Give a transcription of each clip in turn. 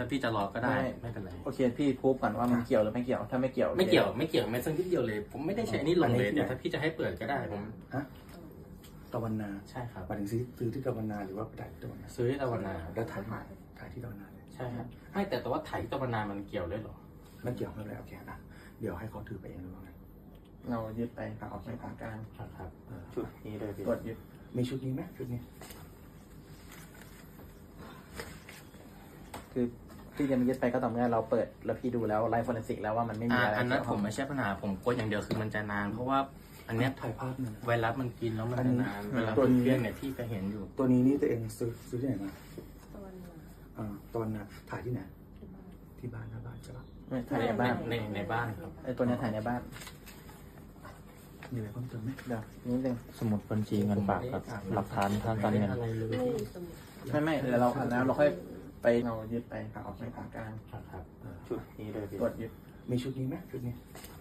พี่จะรอก็ได้ไม่เป็นไรโอเคพี่พูดก่อนว่ามันเกี่ยวหรือไม่เกี่ยวถ้าไม่เกี่ยวไม่เกี่ยวแม้สักนิดเดียวเลยผมไม่ได้ใช้นี่ลงเลยเดี๋ยวถ้าพี่จะให้เปิดก็ได้ผมฮะตะวันนาใช่ครับหมายถึงซื้อที่ตะวันนาหรือว่าไปถ่ายที่ตะวันนาซื้อที่ตะวันนาแล้วถ่ายที่ตะวันนาเลยใช่ครับไม่แต่ว่าถ่ายที่ตะวันนามันเกี่ยวเลยเหรอมันเกี่ยวกันเลยโอเคอ่ะเดี๋ยวให้เขาถือไปเองหรือว่าไงเรายึดไปโอเคของกลางครับชุดนี้เลยตรวจยึดมีชุดนี้ไหมชุดนี้คือพี่จะมายึดไปก็ต่อเมื่อเราเปิดแล้วพี่ดูแล้วไลฟ์ฟอเรนซิกแล้วว่ามันไม่มีอะไรอันนั้นเกี่ยวผข้องมไม่ใช่ปัญหาผมกลัวอย่างเดียวคือมันจะนาน เพราะว่าอันเนี้ยถ่ายภาพหนึ่งไวรัสมันกินแล้วมันจะนานเวลาตัวนี้เพื่อนเนี่ยพี่ก็เห็นอยู่ตัวนี้นี่ตัวเองซื้อที่ไหนมาตะวันนาตะวันนาถ่ายที่ไหนที่บ้านหน้าบ้านใช่ปะไม่ถ่ายในบ้านในบ้านครับไอ้ตัวเนี้ยถ่ายในบ้านมีอะไรเพิ่มเติมไหมเดี๋ยวนิดนึงสมุดบัญชีเงินฝากครับ หลักฐานทางการเงินอะไรเลยไม่มีสมุดไม่เดี๋ยวเราอันนั้นเราค่อยไปเรายึดไปของกลางครับชุดนี้เลยตรวจยึดมีชุดนี้ไหมชุดนี้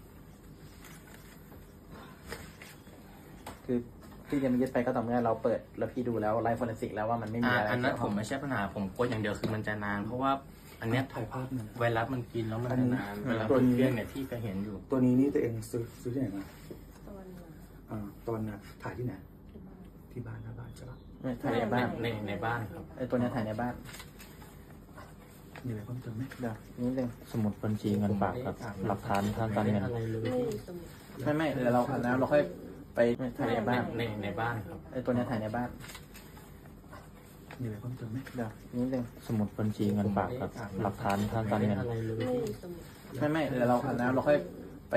คือพี่จะมายึดไปก็ต่อเมื่อเราเปิดแล้วพี่ดูแล้วไลฟ์ฟอเรนซิกแล้วว่ามันไม่มีอะไรอันนั้นเกี่ยวผข้อมงไม่ใช่ปัญหาผมกลัวอย่างเดียวคือมันจะนาน เพราะว่าอันเนี้ยถ่ายภาพหนึ่งไวรัสมันกินแล้วมันจะนานเวลาเพื่อนเนี่ยพี่ก็เห็นอยู่ตัวนี้นี่ตัวเองซื้อที่ไหนมาตะวันนาตะวันนาถ่ายที่ไหนที่บ้านที่บ้านหน้าบ้านใช่ปะไม่ถ่ายในบ้านในบ้านครับไอ้ตัวเนี้ยถ่ายในบ้านมีอะไรเพิ่มเติมไหมเดี๋ยวนิดนึงสมุดบัญชีเงินฝากครับ หลักฐานทางการเงินอะไรเลยไม่มีสมุดไม่เดี๋ยวเราอันนั้นเราค่อยไปถ่ายในบ้านในบ้านครับไอ้ตัวเนี้ยถ่ายในบ้านมีอะไรเพิ่มเติมไหมเดี๋ยวนิดนึงสมุดบัญชีเงินฝากครับ หลักฐานทางการเงินอะไรเลยไม่มีสมุดไม่เดี๋ยวเราอันนั้นเราค่อยไป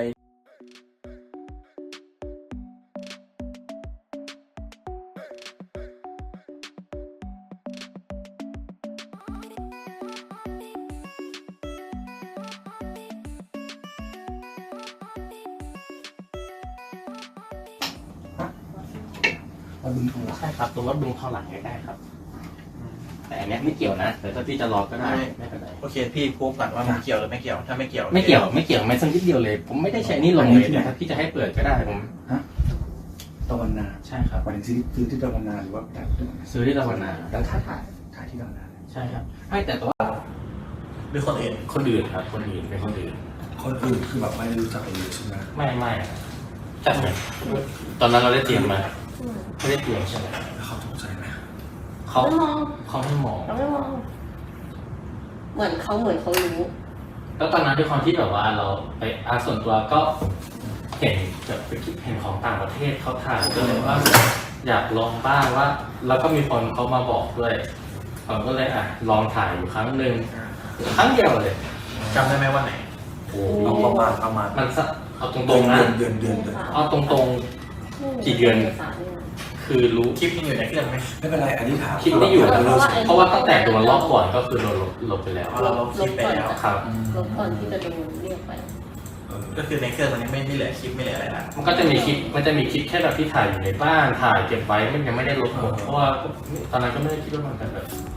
วัดบึงทองหลางใช่ครับตรงวัดบึงทองหลังได้ครับ แต่อันเนี้ยไม่เกี่ยวนะแต่ถ้าพี่จะรอก็ได้ไม่เป็นไรโอเคพี่พูดก่อนว่ามันเกี่ยวหรือไม่เกี่ยวถ้าไม่เกี่ยวไม่เกี่ยวแม้สักนิดเดียวเลย ผมไม่ได้ใช้นี่ลงเลยเดี๋ยวถ้าพี่จะให้เปิดก็ได้ผมฮะตะวันนาใช่ครับหมายถึงซื้อที่ตะวันนาหรือว่าไปถ่ายที่ตะวันนาซื้อที่ตะวันนาแล้วถ่ายที่ตะวันนาเลยใช่ครับไม่แต่ว่าหรือคนอื่นคนอื่นครับคนอื่นเป็นคนอื่นคนอื่นคือแบบไม่ได้รู้จักกันเลยใช่ไหมไม่จัดเหมือนตอนนั้นเราได้เตรียมมาไม่ได้เตรียมใช่ไหมแล้วเขาสงสัยไหมเขาไม่มองเขาไม่มองเราไม่มอง เหมือนเขารู้แล้วตอนนั้นด้วยความที่แบบว่าเราไปส่วนตัวก็เห็นแบบไปคิดเห็นของต่างประเทศเขาถ่ายก็เลยว่าอยากลองบ้างว่า แล้วก็มีคนเขามาบอกด้วยผมก็เลยลองถ่ายอยู่ครั้งหนึ่งครั้งเดียวเลยจำได้ไหมว่าไหนโอ้เอาประมาณมันสักเอาตรงๆนะเดือนเอาตรงๆกี่เดือนคือรู้คลิปยังอยู่ในเครื่องไหมไม่เป็นไรอันนี้ถามคลิปที่อยู่เพราะว่าตั้งแต่โดนรอบก่อนก็คือโดนลบไปแล้วเราลบคลิปไปแล้วครับลบก่อนที่จะโดนเรียกไปก็คือในเครื่องมันยังไม่เหลือคลิปไม่เหลืออะไรละมันก็จะมีคลิปแค่แบบที่ถ่ายอยู่ในบ้านถ่ายเก็บไว้มันยังไม่ได้ลบหมดเพราะว่าตอนนั้นก็ไม่ได้คิดว่ามันจะแบบ